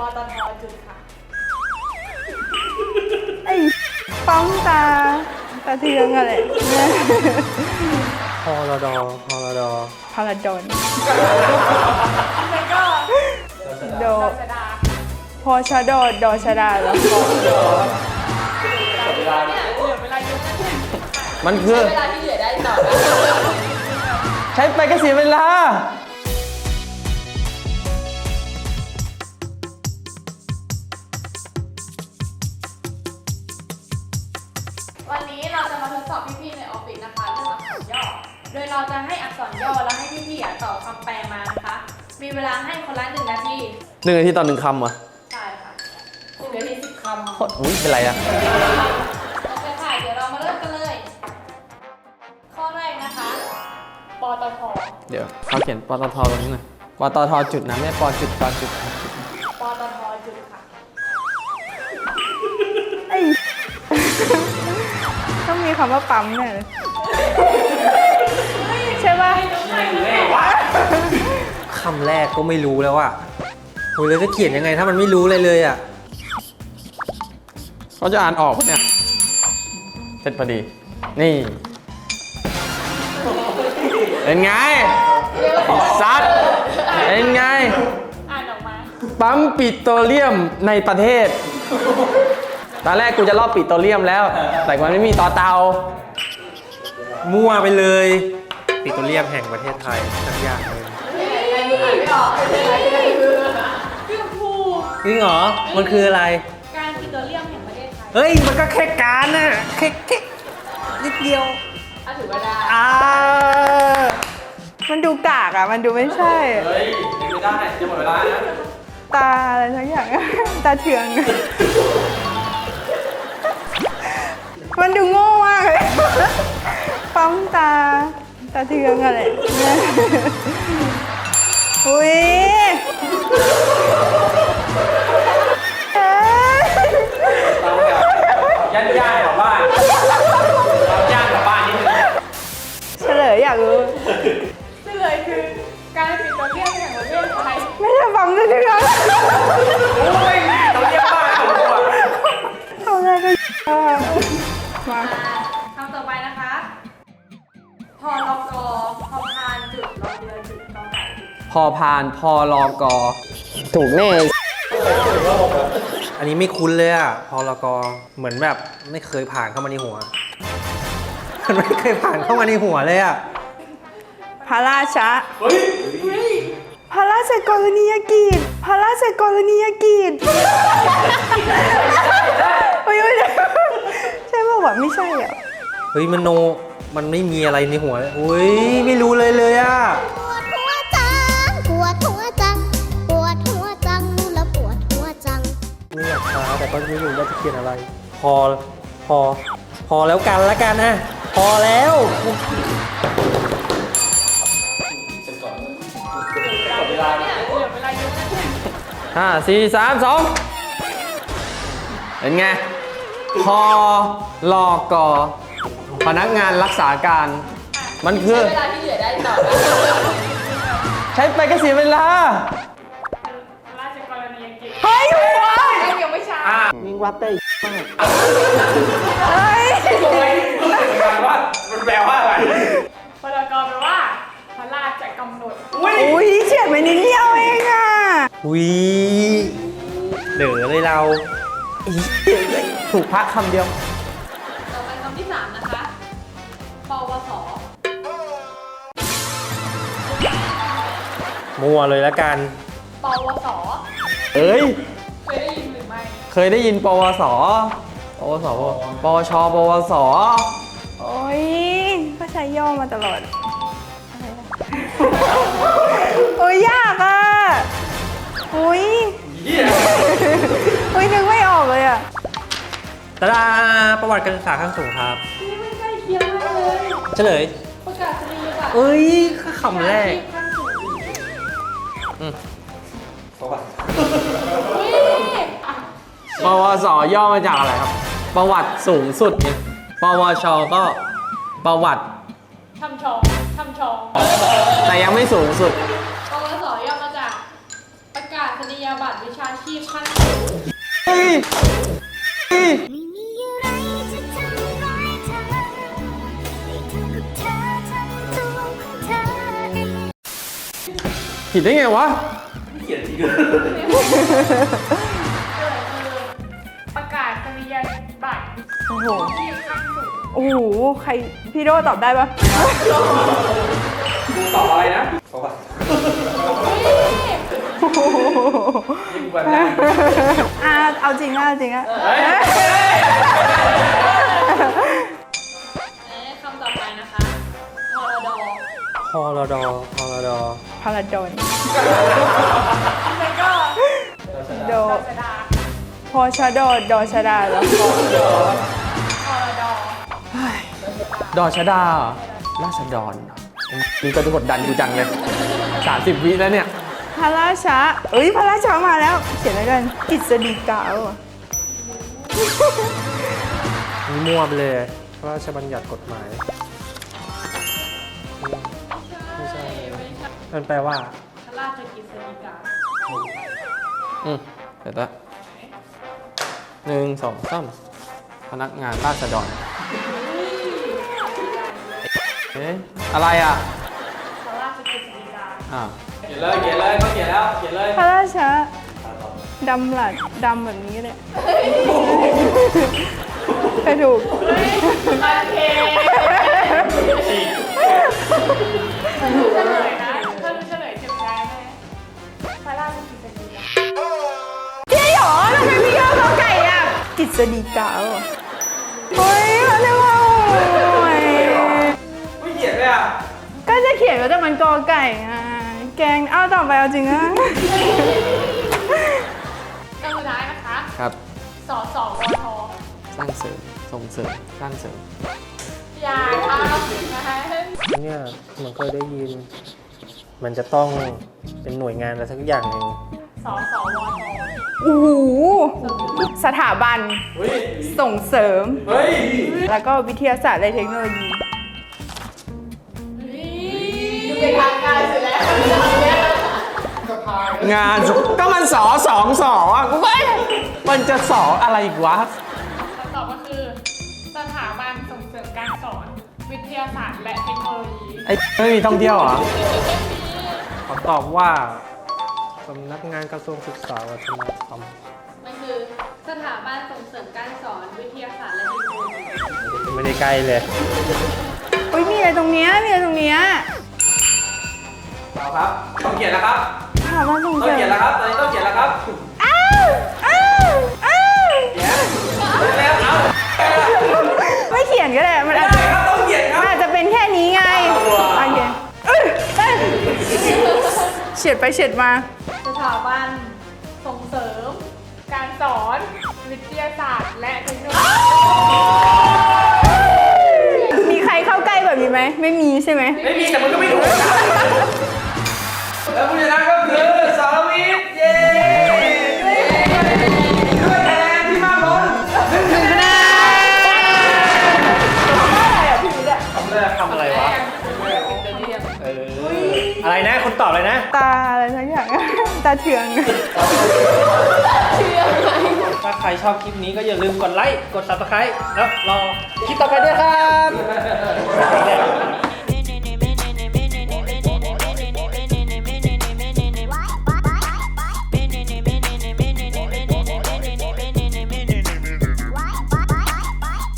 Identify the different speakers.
Speaker 1: ตทจุดค่ะ
Speaker 2: ไอ้ปั๊มตาเทืองอะไร
Speaker 3: พอรดพอรด
Speaker 2: พาราดอน
Speaker 1: แล้วก็
Speaker 2: โด
Speaker 1: ดชดา
Speaker 2: พอชาโดดอชาดาแล้วพอ
Speaker 1: เนี่ยเหลือเวลาเยอะนะเนี่ย
Speaker 3: มันคือ
Speaker 1: เวลาที่เหลือได้ต่อ
Speaker 3: ใช้ไปก็เสียเวลา
Speaker 1: วันนี้เราจะมาทดสอบพี่ๆในออฟฟิศนะคะเรื่องอักษรย่อ โดยเราจะให้อักษรย่อแล้วให้พี่ๆตอบคำแปลมานะคะ มีเวลาให้คนละ1 นาที
Speaker 3: 1 นาทีต่อ 1 คำเหรอ
Speaker 1: ใช่ค่ะ1 นาที 10 คำ
Speaker 3: โคตรอุ้ยเป็นไรอะ
Speaker 1: โอเคค่ะ เดี๋ยวเรามาเริ่มกันเลย ข้อแรกนะคะ ปตท
Speaker 3: เดี๋ยวเขาเขียนปตทตรงนี้หน่อยปตทจุดนะไม่ใช่ปจุดปจุด
Speaker 1: ปตทจุดค่ะ
Speaker 2: ไอ้ ต้องมีคำว่าปั๊มแน่เลยใช่ป่ะ
Speaker 3: คำแรกก็ไม่รู้แล้วอะโอ้ยแล้วจะเขียนยังไงถ้ามันไม่รู้เลยอะเขาจะอ่านออกปะเนี่ยเสร็จพอดี นี่เป็นไงซัดเป็นไง
Speaker 1: อ่านออกมา
Speaker 3: ปั๊มปิโตรเลียมในประเทศ ตอนแรกกูจะลอบปิโตรเลียมแล้ว แต่มันไม่มีต่อเตา มั่วไปเลย ปิโตรเลียมแห่งประเทศไทยสักอย่างเลย
Speaker 1: ไม่ออกอะไรคือพี่ชมพู
Speaker 3: จริงเหรอ มันคืออะไร
Speaker 1: การปิโตรเลียมแห่งประเทศไทย
Speaker 3: เฮ้ย มันก็แค่การน่ะแค่นิดเดียว
Speaker 1: ถือว่าได้
Speaker 2: มันดูกากอ่ะ มันดูไม่ใช่
Speaker 3: เฮ้ยไม่ได้ จะหมดเวลานะ
Speaker 2: ตาอะไรทั้งอย่าง ตาเทือง มันดูโง่มากเลย ปั๊มตาเทืองอะไร อุ้ยเอ๊ะ
Speaker 3: ย่านๆกลับบ้านย่านกลับบ้านนิดนึง
Speaker 2: เฉลยอยากรู้
Speaker 1: เฉลยคือการปิโตรเลียมแห่งประเทศไทย
Speaker 2: ไม่ใช่ปั๊มตาเทือง
Speaker 3: โอ้ยเราเรียกบ้านแล้วผมอ่ะ
Speaker 2: เอาอะไรก็มา
Speaker 1: คำต่อไปนะคะพลกพพานจุดรอเรือจุดกอไก่จุด
Speaker 3: พอพานพอลอกอถูกแน่ อันนี้ไม่คุ้นเลยอ่ะ พอลอกอเหมือนแบบไม่เคยผ่านเข้ามาในหัว มันไม่เคยผ่านเข้ามาในหัวเลยอ่ะ
Speaker 2: พระราชะพระราชกรณียกิจพระราชกรณียกิจไม่ใช่ใช่ป่าวะไม่ใช่อ่ะ
Speaker 3: เฮ้ยมันโน มันไม่มีอะไรในหัวเลยอุ้ยไม่รู้เลยอ่ะ
Speaker 4: ปวดหัวจัง ปวดหัวจัง ปวดหัวจังรู้แล้วปวดหัวจัง
Speaker 3: ไม่อยากช้าแต่ก็ไม่รู้ว่าจะเขียนอะไร พอแล้วกันละกันนะ พอแล้ว
Speaker 1: เนี่ยเหลือเวลาเยอะนะเนี่ย
Speaker 3: 5 4 3 2เป็นไง พอลอกอพนักงานรักษาการ มันคือ
Speaker 1: เวลาที่เหลือได้ต่อ
Speaker 3: ใช้ไปก็เสียเวลา
Speaker 1: ราชกรณียกิจ
Speaker 2: เฮ้ยหัว
Speaker 1: ยังไม่ช้า
Speaker 3: ยิงวัดได้
Speaker 2: เฮ้ย
Speaker 3: ว่ามันแปลว่าอะไร
Speaker 1: พลกแปลว่าพระราชกำหนด
Speaker 2: อุ้ยเฉียดไปนิดเดียวเองอ่ะ
Speaker 3: วิเด๋อเลยเราอีถูกพระคำเดียว
Speaker 1: ต่อไปคำที่ 3 นะคะ ปวส
Speaker 3: มัวเลยละกัน
Speaker 1: ปวส
Speaker 3: เอ้ย
Speaker 1: เคยได้ยินหรือไม่
Speaker 3: เคยได้ยินปวส ปวส ปวช ปวส
Speaker 2: โอ้ยก็ใช้ย่อมาตลอดอะไรนะโอ้ยยากอ่ะอุ้ยอุ้ยนึกไม่ออกเลยอ่ะ
Speaker 3: ตาดาประวัติการศึกษาขั้นสูงครับ
Speaker 1: นี่ไม่ใกล้เคียงมากเลย
Speaker 3: เฉลย
Speaker 1: ประกาศนียบัตร
Speaker 3: เอ้ยคำแรก
Speaker 1: ขั้นสูง
Speaker 3: อืม
Speaker 1: อุ๊ย
Speaker 3: ปวส ย่อมาจากอะไรครับ ประวัติสูงสุดไงปวช ก็ประวัติ
Speaker 1: ทำชอง
Speaker 3: แต่ยังไม่สูงสุด
Speaker 1: ปวสย่อมาจากประกาศนียบัตรวิชาชชีพขั้นสูง
Speaker 3: เฮ้ยเฮ้ย
Speaker 4: ไม่มีอะไรจะทำร้ายเธอให้เธอกับเธอทำตัวของเธอเอง
Speaker 3: ผิดได้ไงวะ
Speaker 1: เกิดคือประกาศนียบัตร
Speaker 2: โอ้โห
Speaker 1: ชีพขั้นสูง
Speaker 2: โอ้โห ใคร พี่โดตอบได้ปะ
Speaker 3: กูตอบอะไรนะตอบว่า
Speaker 2: โอ้โห
Speaker 3: ยิ่งกว่าได้
Speaker 2: เอาจริงอะเอาจริงอะ
Speaker 3: เฮ้ย
Speaker 1: คำต่อไปนะคะพรด
Speaker 3: พอรดพอรด
Speaker 2: พาราดอน
Speaker 1: แล้วก็
Speaker 2: โด
Speaker 1: ดชดา
Speaker 2: พอชาโดดอชาดาแล้ว
Speaker 1: พรด
Speaker 3: ดอชดาราษฎรนี่ก็กดดันกูจังเลย30 วิแล้วเนี่ย
Speaker 2: พระราชาเอ้ยพระราชามาแล้ว เขียนอะไรกันกฤษฎีกาเหรอ
Speaker 3: นี่มั่วไปเลยพระราชบัญญัติกฎหมายไม่ใช่มันแปลว่า
Speaker 1: พระราชกฤษฎีกา
Speaker 3: เสร็จแล้ว1 2 3พนักงานราษฎรเอ๊ะอะไรอ่ะ
Speaker 1: พระราชกฤษฎีกา
Speaker 3: เขียนเลยเขาเขียนแล้วเขียนเลย
Speaker 2: พระราชาดำหลัดดำแบบนี้เลยใครถูก
Speaker 1: โอเคเฉลยนะถ้ารู้เฉลยเจ็บใจไหมพระราชกฤษฎีกา
Speaker 2: พี่หรอทำไมพี่ยอมเขาไก่อ่ะกฤษฎีกาเหรอเฮ้ยเขาเรียกว่าโอ้ย
Speaker 3: ไม่เขียนเลยอ่ะ
Speaker 2: ก็จะเขียนว่าแต่มันกอไก่อ่ะแกงเอาต่อไปเอาจริงอ่ะ
Speaker 1: คำสุดท้ายนะคะ
Speaker 3: ครับ
Speaker 1: สสวท
Speaker 3: สร้างเสริมส่งเสริมสร้างเสริม
Speaker 1: อย่าทำนะคะ
Speaker 5: เนี่ยมันเคยได้ยิน มันจะต้องเป็นหน่วยงานอะไรสักอย่างหนึ่ง
Speaker 1: สสวท
Speaker 2: โอ้โหสถาบันส่งเสริม
Speaker 3: เฮ้ย
Speaker 2: แล้วก็วิทยาศาสตร์และเทคโนโลยี
Speaker 1: ดูเป็นทางการสุดแล้วเนี่ย
Speaker 3: งานก็มันสองสออ่ะกูไม่มันจะสออะไรอีกวะ
Speaker 1: คำตอบก็คือ สถาบันส่งเสริมการสอน วิทยาศาสตร์และเทคโนโลยี
Speaker 3: ไอ้ไม่มีท่องเที่ยวเหรอ
Speaker 5: ขอตอบว่าสำนักงานกระทรวงศึกษาวัฒนธรรม
Speaker 1: มันคือสถาบันส่งเสริมการสอน วิทยาศาสตร์และเทคโนโลยี
Speaker 5: ไม่ได้ใกล้เลย
Speaker 2: อุ้ยมีอะไรตรงเนี้ยมีอะไรตรงเนี้ย
Speaker 3: เอาครับ ต้องเขียนแล้วครับ
Speaker 2: สถาบันส่ง
Speaker 3: ต้อ
Speaker 2: เส
Speaker 3: ง
Speaker 2: ริ
Speaker 3: เขียน
Speaker 2: ม
Speaker 3: แล้วครับตอนนี้ต้องเขียนแล้วครับ
Speaker 2: อ้าวอ้าวอ้าว
Speaker 3: เขียนแล้วเอา
Speaker 2: ไม่เขียนก็ได้มันอาจ
Speaker 3: ได้
Speaker 2: จะ
Speaker 3: ครับต้องเขียนค
Speaker 2: มัน
Speaker 3: รับ
Speaker 2: อาจจะเป็นแค่นี้ไงโอเคเอ้ยเฉียดไปเฉียดมา
Speaker 1: สถาบันส่งเสริม การสอน วิทยาศาสตร์และเทคโนโลยี
Speaker 2: มีใครเข้าใกล้แบบนี้ไหมไม่มีใช่ไหม
Speaker 3: ไม่มีแต่มันก็ไม่ถูกแล้วผู้ชนะก็คือสรวิทย์เย้ด้วยคะแนนที่มากล้น1 คะแนน
Speaker 5: ทำอะไรวะ อะไรนะคุณตอบเลยนะ
Speaker 2: ตาอะไรสักอย่าง ตาเถือง
Speaker 5: ถ้าใครชอบคลิปนี้ก็อย่าลืมกดไลค์ กด subscribe แล้วรอคลิปต่อไปด้วยครับ